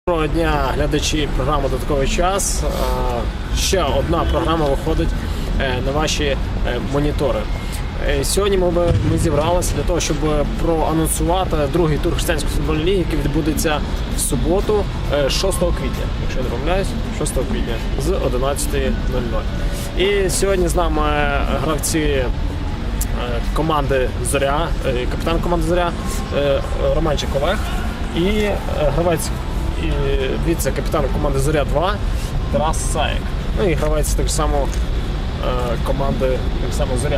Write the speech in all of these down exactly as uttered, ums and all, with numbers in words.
Доброго дня, глядачі програми «Додатковий час». Ще одна програма виходить на ваші монітори. Сьогодні ми, ми зібралися для того, щоб проанонсувати другий тур християнської футбольної ліги, який відбудеться в суботу, шостого квітня, якщо я не помиляюсь, шостого квітня з одинадцятої нуль нуль. І сьогодні з нами гравці команди «Зоря», капітан команди «Зоря» Романчик Олег і гравець і віце-капітан команди «Зоря-два» Тарас Саєк. Ну і гравець так само е, команди так само «Зоря».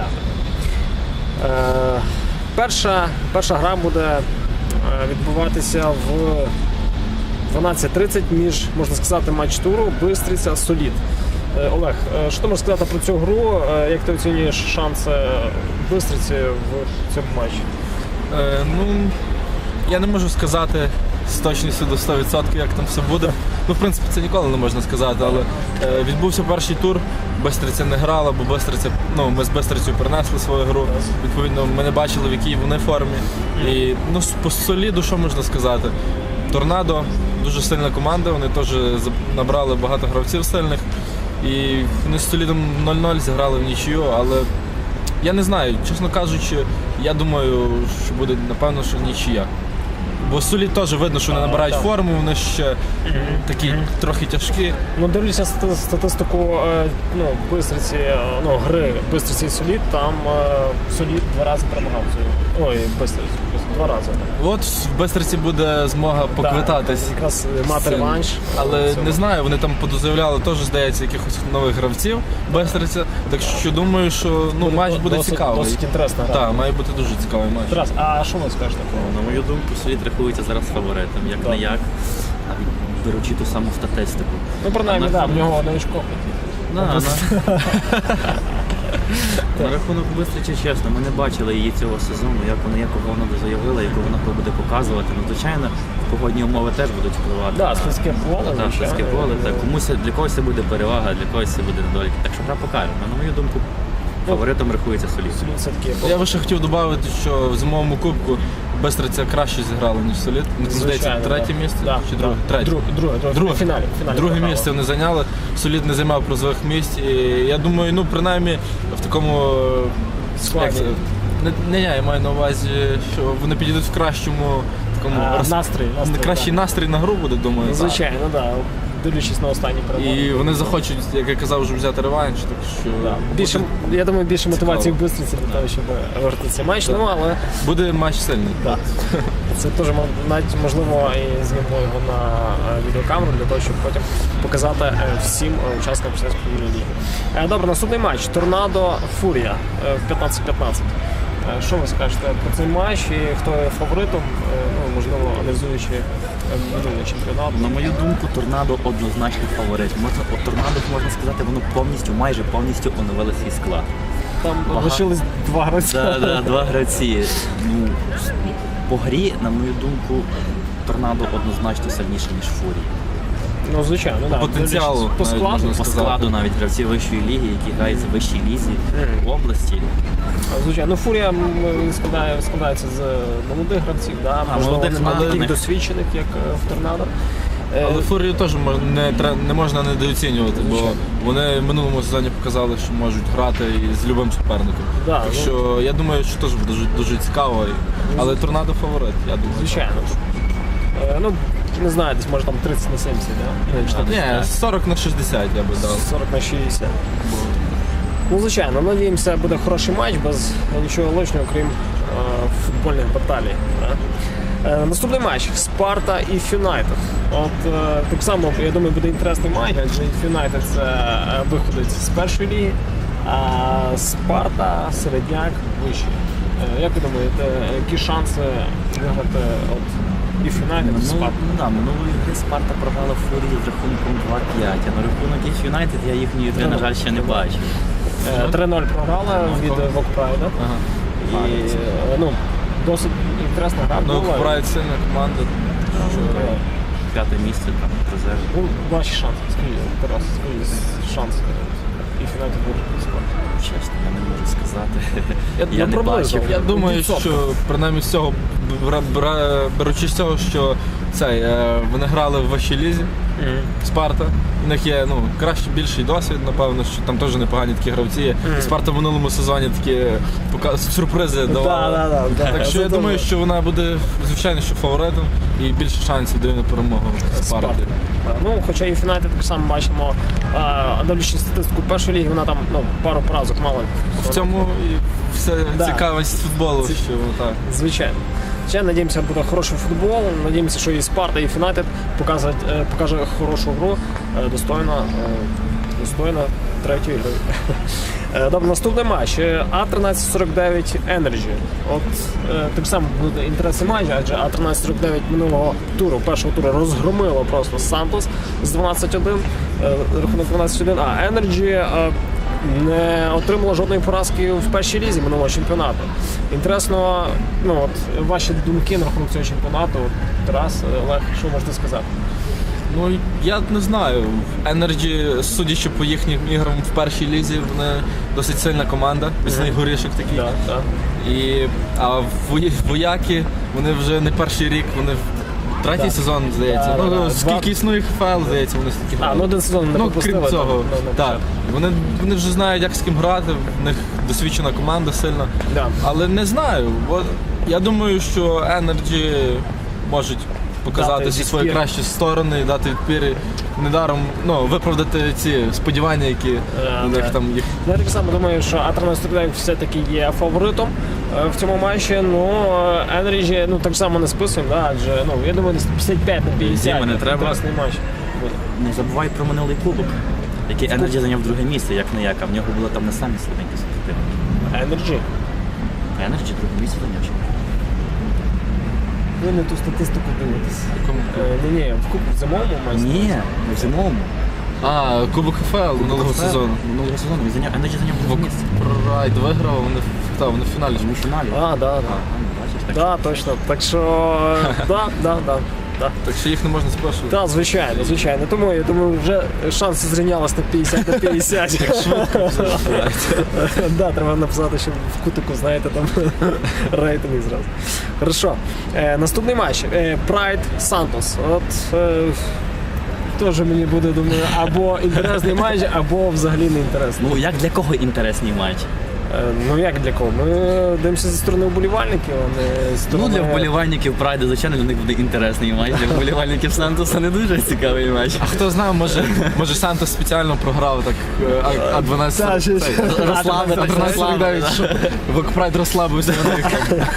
Е, перша, перша гра буде відбуватися в дванадцять тридцять між, можна сказати, матч туру Бистриця-Солід. Е, Олег, е, що ти можеш сказати про цю гру? Е, як ти оцінюєш шанси Бистриці в цьому матчі? Е, ну, я не можу сказати з точністю до сто відсотків, як там все буде. Ну, в принципі, це ніколи не можна сказати, але е, відбувся перший тур, Бистриця не грала, бо Бистриця, ну, ми з Бистрицею перенесли свою гру. Відповідно, ми не бачили, в якій вони формі. І, ну, по Соліду, що можна сказати? Торнадо, дуже сильна команда, вони теж набрали багато гравців сильних. І вони з Солідом нуль нуль зіграли в нічию, але я не знаю, чесно кажучи, я думаю, що буде, напевно, що нічия. Бо Солід теж видно, що вони набирають а, форму, вони ще mm-hmm. такі mm-hmm. трохи тяжкі. Ну, дивлюся статистику ну, Бистриці, ну, гри Бистриці і Солід, там Солід два рази перемагав. Ой, Бистрицю, два рази. От в Бистриці буде змога поквитатись. Так, якраз мати реванш. Але не знаю, вони там подозаявляли теж, здається, якихось нових гравців Бистриця. Так що думаю, що ну, матч буде досить, цікавий. Досить інтересна гра. Так, має бути дуже цікавий матч. Тарас, а що ви скажете? На мою думку, Солід рахується зараз фаворитом, як так. не як, навіть беручи ту саму статистику. Ну, принаймні, так, в нього не очко. На, на. на рахунок Бистричі, чесно, ми не бачили її цього сезону, як вона, якого вона заявила, яку вона буде показувати. Ну, звичайно, погодні умови теж будуть впливати. Так, слизьке поле. Так, слизьке поле. Так, комусь, для когось це буде перевага, для когось це буде недолік. Так що гра покаже. На мою думку, фаворитом рахується Солід. Я би ще хотів додати, що в зимовому кубку Бистриця краще зіграла, ніж Солід. Здається, третє місце да, чи друге? Да. Друге, друге, друге. друге. В фіналі, в фіналі друге програли. Місце вони зайняли, Солід не займав призових місць. І я думаю, ну принаймні в такому складі. Не, не я, я маю на увазі, що вони підійдуть в кращому такому а, роз... настрій, настрій, кращий да. настрій на гру буде, думаю. Ну, звичайно, так. Да. Дивлячись на останні перемоги. І вони захочуть, як я казав, вже взяти реванш, так що... Да. Більше, я думаю, більше мотивації в Бистриці для того, щоб виграти цей матч, ну, але... Буде матч сильний. Да. Це теж, навіть, можливо, і знімемо його на відеокамеру, для того, щоб потім показати всім учасникам християнської ліги. Добре, наступний матч. Торнадо-Фурія в п'ятнадцять п'ятнадцять. Що ви скажете про цей матч і хто є фаворитом, ну, можливо, аналізуючи минулий чемпіонат? На мою думку, Торнадо однозначно фаворит. Можна, от Торнадо, можна сказати, воно повністю, майже повністю оновило свій склад. Там Бага... лишились два гравці. Да, да, два гравці. Ну, по грі, на мою думку, Торнадо однозначно сильніше, ніж Фурія. Ну, звичайно, так. Потенціалу. По складу, по складу навіть гравці вищої ліги, які грають в вищій лізі в області. Звичайно, ну, Фурія складає, складається з молодих гравців, да? А, можливо, молодих, не молодих. таких досвідчених, як в Торнадо. Але Фурію теж не, не можна недооцінювати, бо вони в минулому сезоні показали, що можуть грати з любим суперником. Да, так ну... що я думаю, що теж буде дуже, дуже цікаво. Але Торнадо фаворит, я думаю. Звичайно. Е, ну, не знаю, десь може там тридцять на сімдесят, да? Ні, сорок на шістдесят я би дав. сорок на шістдесят. Ну, звичайно, надіємося, буде хороший матч, без нічого лишнього, крім е, футбольних баталій. Да? Е, наступний матч – Спарта і Юнайтед. От е, так само, я думаю, буде інтересний матч, адже Юнайтед – це е, виходить з першої ліги, а Спарта – середняк вищий. Е, як ви думаєте, які шанси виграти от і Юнайтед, і Спарта? Ну, да, минулої гри Спарта програла Фурії з рахунком два п'ять, а на рахунок Іф Юнайтед я їхньої гри, на жаль, ще не бачив. три нуль програла від Вокпрайда. Ага. І, ну, досить інтересна гра Ну, була. Вокпрайд сильна команда. П'яте місце, там, резерв. Ну, ваші шанси, скажіть, Тарас, скажіть шанси і Юнайтед виграти Спарту. чесно, я не можу сказати. Я, Я ну, не приблизно. бачив. Я думаю, Відсоток. що принаймні з цього, бра- бра- беручи з цього, що цей, е, вони грали в вашій лізі, Спарта. У них є ну, краще більший досвід, напевно, що там теж непогані такі гравці. Мгм. Спарта в минулому сезоні такі пока- сюрпризи давала. Да, да, да, да. Так що Це я думаю, дуже. що вона буде, звичайно, що фаворитом і більше шансів дає на перемогу Спарти. Спарта. Ну, хоча і в Юнайтед так само бачимо, а, дивлячись статистику першої ліги, вона там ну, пару поразок мала. В цьому і все Да. цікавість футболу, Ці- що так. Звичайно. Ще надіємося, буде хороший футбол. Надіємося, що і Спарта, і Юнайтед покаже, покаже хорошу гру, е, достойно, е, достойно третьої гри. Е, Добре, наступний матч. Е, А тринадцять сорок дев'ять Energy. От е, так само буде інтересний матч, адже А тринадцять сорок дев'ять минулого туру, першого туру розгромило просто Сантос з дванадцять один, е, рахунок дванадцять один, а Energy е, не отримала жодної поразки в першій лізі минулого чемпіонату. Інтересно, ну от ваші думки на рахунок цього чемпіонату. От, Тарас, Олег, що можете сказати? Ну я не знаю. Energy, судячи по їхнім іграм в першій лізі, вони досить сильна команда, міцний горішок такий. Да, да. І, а вої- вояки, вони вже не перший рік, вони в третій Да. сезон, здається. Да, ну, да, да. скільки Два- існує ХФЛ, здається, вони стільки. А, ну один сезон не ну, пропустили. крім цього, там, ну, ну, так. Вони, вони вже знають, як з ким грати, в них досвідчена команда сильна. Да. Але не знаю. От, я думаю, що Energy можуть показати Дати всі свої відпір. кращі сторони і дати відпір. І недаром ну, виправдати ці сподівання, які Да, у них да. там їх. Ну, я так само думаю, що А тринадцять сорок дев'ять все-таки є фаворитом е, в цьому матчі. Ну, е, Energy, ну так само не списуємо, да, адже ну, я думаю, десь п'ятдесят п'ять на п'ятдесят. Зіма, не треба. Інтересний матч буде. Не забувай про минулий кубок, який Energy зайняв друге місце, як не як, а в нього було там не самі слабенькі супротивники. Energy. А Energy друге місце зайняв. чи ні? Ви не ту статистику дивитесь. Е, ні, ні, в кубку в зимовому матчі. Ні, не в зимовому. А, Кубок ХФЛ минулого Кубок сезону. Минулого сезону він зайняв, Energy зайняв друге місце. Прайд виграв, вони, в- та, вони в фіналі. ж. Тому в фіналі. А, да, да. А, ну, бачиш, так. Да, точно. Так що, да, да, да. Да. Так що їх не можна спрашувати. Так, звичайно, звичайно. Тому я думаю, вже шанси зрівнялися на п'ятдесят на п'ятдесят. Да, треба написати, що в кутику, знаєте, там рейтинг зразу. Хорошо. Е, Наступний матч. Е, Pride Santos. От е, теж мені буде, думаю, або інтересний матч, або взагалі не інтересний. Ну як для кого інтересний матч? Е, Ну як для кого? Ми дивимося зі сторони вболівальників, а не з Ну сторони... для вболівальників Прайду, звичайно, для них буде інтересний матч. Для вболівальників Сантоса не дуже цікавий матч. А хто знає, може, може Сантос спеціально програв так е, А- Та, А12. ще- цей, Розслабити, А13 сорок дев'ять, щоб Вокпрайд розслабився на них.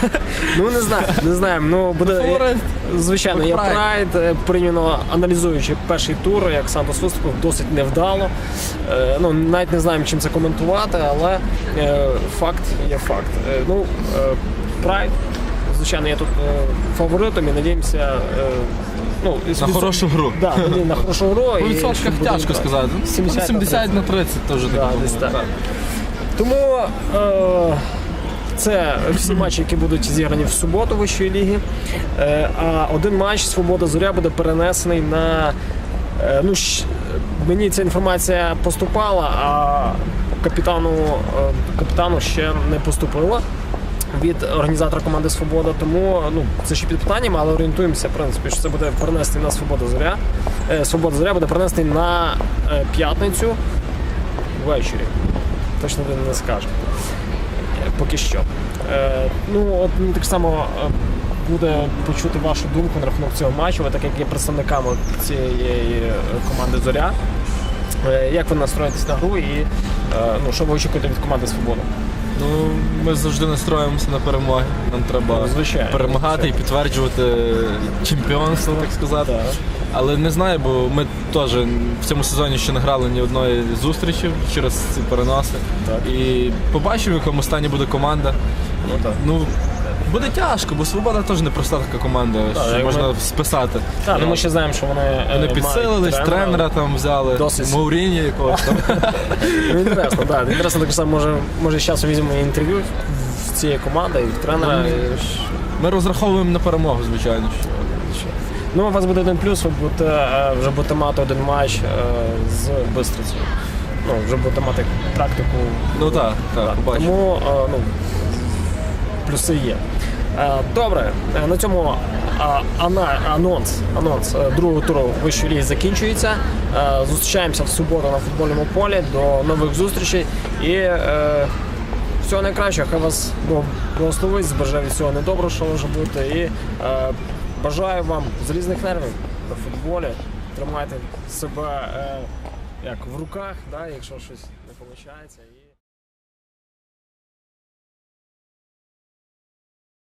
Ну не знаю, не знаємо. Ну буде Фаворит. звичайно, є Pride. Прайд. е, Порівняно аналізуючи перший тур, як Сантос виступив, досить невдало. Е, Ну навіть не знаємо, чим це коментувати, але е, факт є факт. Е, Ну Прайд, звичайно, є тут е, фаворитом і надіємося. е, Ну, На хорошу гру. Да, на хорошу гру. По і відсотках щоб буде тяжко грати. сказати. Ну, сімдесят на сімдесят на тридцять теж Да, так. десь думаю, так. Тому е, це всі матчі, які будуть зіграні в суботу вищої ліги. Е, а один матч Свобода Зоря буде перенесений на. Е, ну, щ- мені ця інформація поступала, а капітану, е, капітану ще не поступила від організатора команди Свобода. Тому ну, це ще під питанням, але орієнтуємося, в принципі, що це буде перенесений на Свобода Зоря. Е, Свобода Зоря буде перенесений на е, п'ятницю ввечері. Точно не скажу. Е, Поки що. Е, ну, от ну, так само е, буде почути вашу думку на рахунок цього матчу, ви так як є представниками цієї е, команди Зоря. Е, як ви настроїтесь на гру і е, ну, що ви очікуєте від команди Свобода? Ну, ми завжди настроїмося на перемоги. Нам треба Ну, звичайно, перемагати звичайно. і підтверджувати чемпіонство, так сказати. Так. Але не знаю, бо ми теж в цьому сезоні ще не грали ні одної зустрічі через ці переноси. Так. І побачимо, в якому стані буде команда. Ну, так. Ну, буде тяжко, бо Свобода теж не проста така команда, Так, що як можна ми- списати. Так, ну ми ще знаємо, що вони, е, Вони мають підсилились, тренера там взяли, Досить. Мауріні якогось там. Ну, інтересно, так. Інтересно, так само, може, може з часом візьмемо інтерв'ю в цієї команди і в тренера. Ну, і ж- Ми розраховуємо на перемогу, звичайно. що. Ну, у вас буде один плюс, ви будете, е, вже будете мати один матч е, з Бистрицею. ну, вже будете мати практику. Ну так, так, побачимо. Тому е, ну, плюси є. Е, Добре, е, на цьому е, ана- анонс, анонс е, другого туру вищої ліги закінчується. Е, Зустрічаємося в суботу на футбольному полі. До нових зустрічей і е, всього найкращого. Хай вас Бог благословить, збереже від всього недоброго, що може бути. І е, бажаю вам залізних нервів на футболі. Тримайте себе е, як в руках, да, якщо щось не виходить.